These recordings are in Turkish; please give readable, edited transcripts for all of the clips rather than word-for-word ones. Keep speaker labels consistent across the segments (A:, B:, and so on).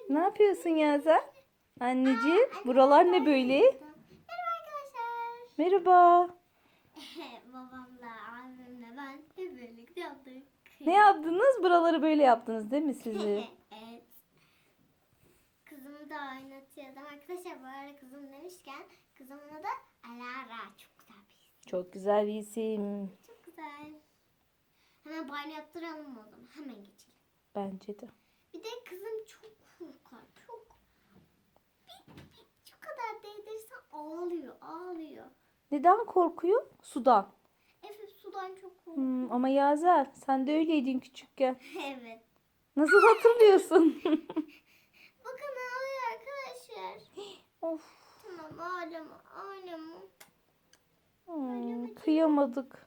A: Ne yapıyorsun Yaza? Anneciğim, buralar ne böyle?
B: Merhaba arkadaşlar.
A: Merhaba.
B: Babamla, annemle ben hep birlikte yaptık.
A: Ne yaptınız? Buraları böyle yaptınız değil mi sizi?
B: Evet. Kızımı da oynatıyordum. Arkadaşlar bu arada kızım demişken kızımın adı Alara. Çok güzel bir isim.
A: Çok güzel bir isim.
B: Çok güzel. Hemen banyo yaptıralım o zaman. Hemen geçelim.
A: Bence de.
B: Bir de kızım çok korkar. Çok. Şu kadar değdirirsen ağlıyor.
A: Neden korkuyor? Sudan.
B: Evet sudan çok korkuyor.
A: Ama Yaza, sen de öyleydin küçükken.
B: Evet.
A: Nasıl hatırlıyorsun?
B: Bakın ağlıyor arkadaşlar.
A: Of.
B: Tamam ağlama.
A: Kıyamadık.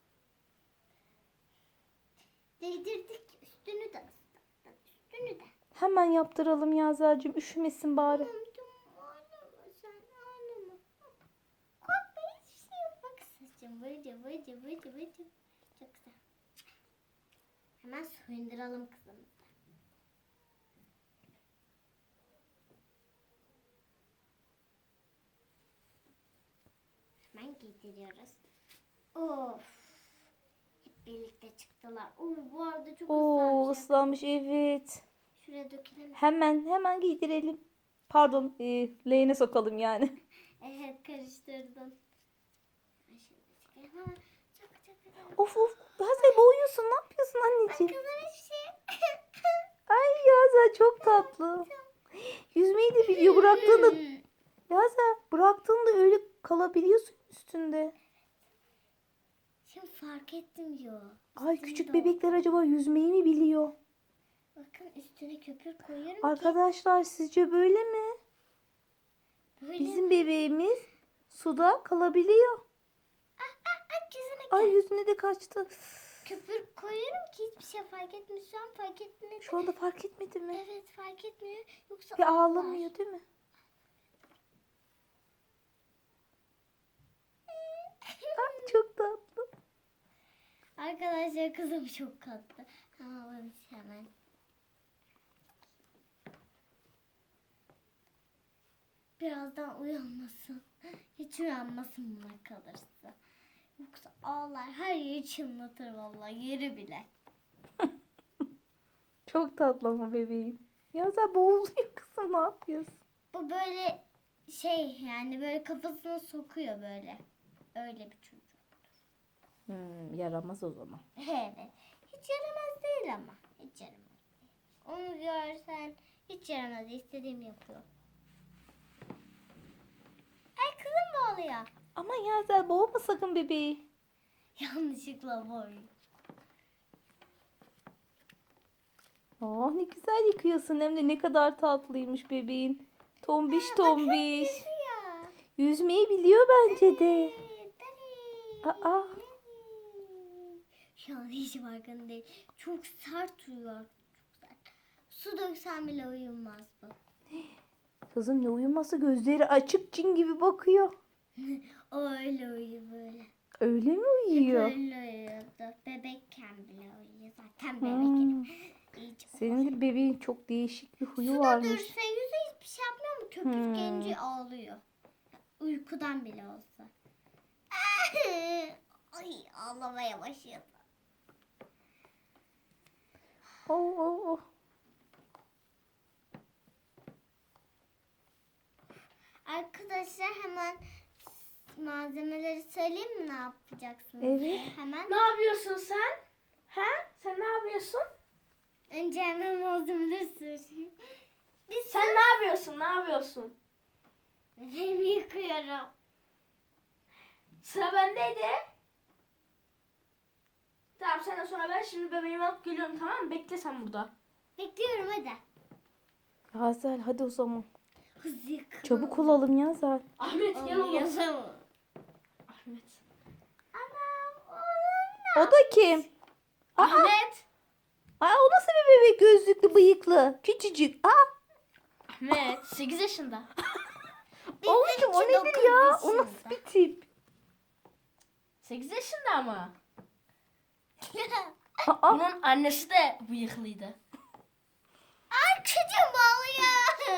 B: Değdirdik üstünü de ıslattık. Üstünü de.
A: Hemen yaptıralım Yazacığım. Üşümesin bari.
B: Tamam ağlama sen ağlama. Korkma hiçbir şey yok. Bak saçım vıcı. Çok güzel. Hemen soyunduralım kızımızı. Hemen giydiriyoruz. Of. Hep birlikte çıktılar. Bu arada çok
A: Oo,
B: ıslanmış.
A: ıslanmış evet.
B: Şuraya dökelim.
A: Hemen giydirelim. Pardon, leğene sokalım yani.
B: Evet karıştırdım. Hemen çok.
A: Of. Yaza boğuyorsun. Ne yapıyorsun anneciğim?
B: Kızım hiçbir şey.
A: Ay Yaza çok tatlı. Yüzmeyi de biliyor. Bıraktığında Yaza bıraktığında öyle kalabiliyorsun üstünde.
B: Şimdi fark ettim diyor.
A: Ay
B: Üstünde
A: küçük
B: o.
A: bebekler acaba yüzmeyi mi biliyor?
B: Bakın üstüne köpür koyuyorum ki.
A: Arkadaşlar sizce böyle mi?
B: Böyle.
A: Bizim bebeğimiz suda kalabiliyor.
B: Yüzüne
A: Ay
B: gel.
A: yüzüne de kaçtı.
B: Köpür koyuyorum ki hiçbir şey fark etmiyor. Şu an fark etmedi.
A: Şu anda fark etmedi mi?
B: Evet fark etmiyor. Yoksa
A: Ve
B: ağlar.
A: ağlamıyor değil mi? Ay çok tatlı.
B: Arkadaşlar kızım çok tatlı. Ağlamış hemen. Birazdan uyanmasın. Hiç uyanmasın buna kalırsa. Yoksa ağlar her yeri çınlatır vallahi yeri bile.
A: Çok tatlı ama bebeğim. Yaza boğuluyor kızım, ne yapıyorsun?
B: Bu böyle şey yani böyle kafasına sokuyor böyle. Öyle bir çocuk.
A: Yaramaz o zaman.
B: Evet. Hiç yaramaz değil ama. Hiç yaramaz değil. Onu görsen hiç yaramaz. İstediğimi yapıyor. Ay kızım bağlıyor.
A: Ama Yaza boğma sakın bebeği.
B: Yanlışlıkla bağlıyor.
A: Oh ne güzel yıkıyorsun, hem de ne kadar tatlıymış bebeğin. Tombiş.
B: Ya.
A: Yüzmeyi biliyor bence de. Aa.
B: Şu an hiç farkında değil. Çok sert uyuyor. Çok sert. Su döksen bile uyumaz bu.
A: Kızım ne uyuması, gözleri açık cin gibi bakıyor.
B: O öyle uyuyor böyle.
A: Öyle mi
B: Hep
A: uyuyor?
B: öyle uyuyordu. Bebekken bile uyuyor. Zaten bebek. İyice
A: Senin de bebeğin çok değişik bir huyu
B: suda
A: varmış.
B: dursa yüzü hiçbir şey yapmıyor mu? Köpük gelince ağlıyor. Uykudan bile olsa. Ay ağlamaya başladı.
A: Oh.
B: Arkadaşlar hemen malzemeleri söyleyeyim mi ne yapacaksınız?
A: Evet.
B: Hemen.
C: Ne yapıyorsun sen? He? Sen ne yapıyorsun?
B: Önce hemen malzemeleri söyleyeyim.
C: Sen ne yapıyorsun? Ne yapıyorsun?
B: Bebeğimi yıkıyorum.
C: Sıra bendeydi. Tamam senden sonra ben şimdi bebeğimi alıp geliyorum, tamam mı? Bekle sen burada.
B: Bekliyorum hadi.
A: Yazel hadi o zaman.
B: Hızlı yıkıyorum.
A: Çabuk olalım Yazel.
C: Ahmet gel oğlum.
B: Yazamam.
C: Ahmet.
B: Anam oğlum.
A: O da kim?
C: Ahmet.
A: Aa, o nasıl bir bebek, gözlüklü bıyıklı. Küçücük.
C: Ahmet 8 yaşında.
A: Oğlum o nedir ya? O nasıl bir tip?
C: 8 yaşında ama.
A: Aa,
C: Bunun annesi de bıyıklıydı.
B: Ay çocuğum ağlıyor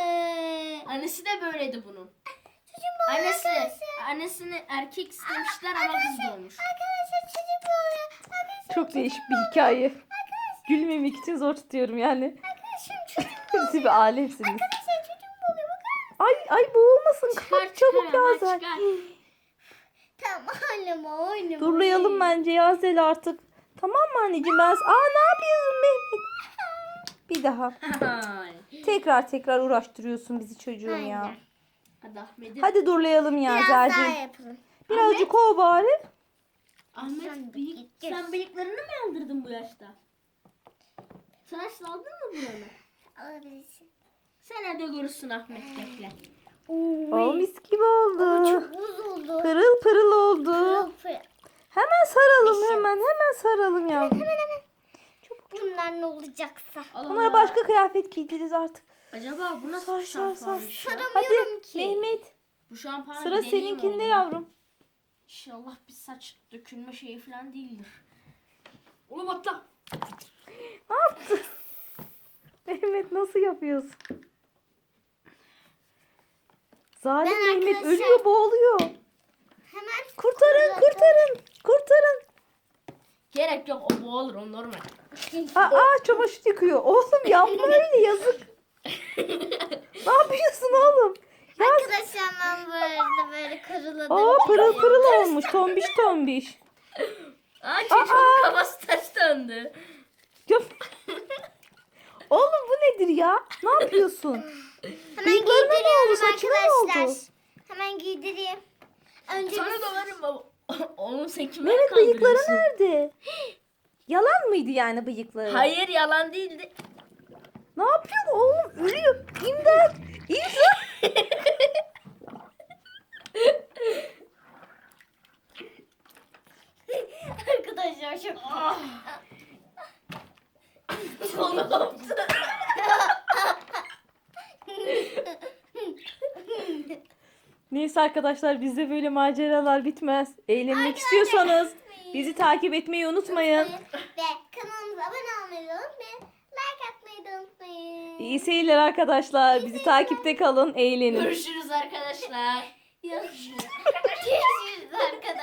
C: Annesi de böyleydi bunun.
B: Çocuğum boğuluyor arkadaşlar.
C: Annesini erkek istemişler ama kız doğmuş.
B: Arkadaşlar çocuk boğuluyor. Arkadaşlar
A: Çok değişik bir hikaye. Gülmemek için zor tutuyorum yani.
B: çocuğum
A: Siz bir alemsiniz.
B: Arkadaşlar çocuğum boğuluyor. Bakar mısın?
A: Ay boğulmasın. Kapat çabuk
C: hemen
A: Yazel.
C: çıkar.
B: Tamam oynama oynama.
A: Durlayalım bence Yazel artık. Tamam mı anneciğim ben... ne yapıyorsun Mehmet? Bir daha. Tekrar uğraştırıyorsun bizi çocuğum ya.
B: Aynen.
C: Hadi Ahmet'im.
A: Hadi durlayalım
B: Biraz daha
A: Yazel'cim.
B: yapalım.
A: Birazcık ol bari.
C: Ahmet sen bıyıklarını mı yaldırdın bu yaşta? Tıraş aldın mı buranı?
B: Alabilirsin.
C: Sen hadi görürsün Ahmet bekle.
A: O mis gibi oldu.
B: Çok bozuldu.
A: Pırıl pırıl oldu.
B: Pırıl pırıl.
A: Hemen saralım hemen saralım yavrum.
B: Hemen. Bunlar ne olacaksa.
C: Allah
A: Onlara
C: Allah.
A: başka kıyafet giydiririz artık.
C: Acaba bu nasıl
A: Sar,
C: bir
A: sar,
C: şampuanmış ya?
A: Hadi
B: Saramıyorum ki.
A: Mehmet
C: Bu şampuanı
A: sıra
C: bir deneyeyim
A: seninkinde
C: oğlum.
A: yavrum.
C: İnşallah bir saç dökülme şeyi falan değildir. Oğlum atla.
A: Ne yaptın? Mehmet nasıl yapıyorsun? Zalim
B: Ben
A: Mehmet
B: arkadaşlar-
A: ölüyor boğuluyor.
B: Hemen
A: Kurtarın.
C: Gerek yok o boğulur o normal.
A: Çamaşır yıkıyor. Oğlum yapma öyle yazık. Ne yapıyorsun oğlum?
B: Arkadaşlar ben böyle kırıladım.
A: Pırıl pırıl olmuş tombiş.
C: Çocuğun kafası ters döndü.
A: Oğlum bu nedir ya? Ne yapıyorsun?
B: Hemen
A: Bıyıklarına ne oldu?
B: giydiriyorum
A: Saçına ne
B: arkadaşlar.
A: oldu?
B: Hemen giydireyim. Önce
C: Sana
B: bir...
C: döverim baba. Oğlum sen kime
A: Mehmet bıyıkları
C: kandırıyorsun?
A: nerede? Yalan mıydı yani bıyıkları?
C: Hayır yalan değildi.
A: Ne yapıyorsun oğlum? Ölüyor. İmdat.
B: Arkadaşlar çok...
C: Oğlum.
A: Neyse arkadaşlar bizde böyle maceralar bitmez. Eğlenmek istiyorsanız bizi takip etmeyi unutmayın.
B: Ve kanalımıza abone olmayı unutmayın. Like atmayı da unutmayın.
A: İyi seyirler arkadaşlar. Bizi takipte kalın. Eğlenin.
C: Görüşürüz arkadaşlar.
B: Görüşürüz arkadaşlar.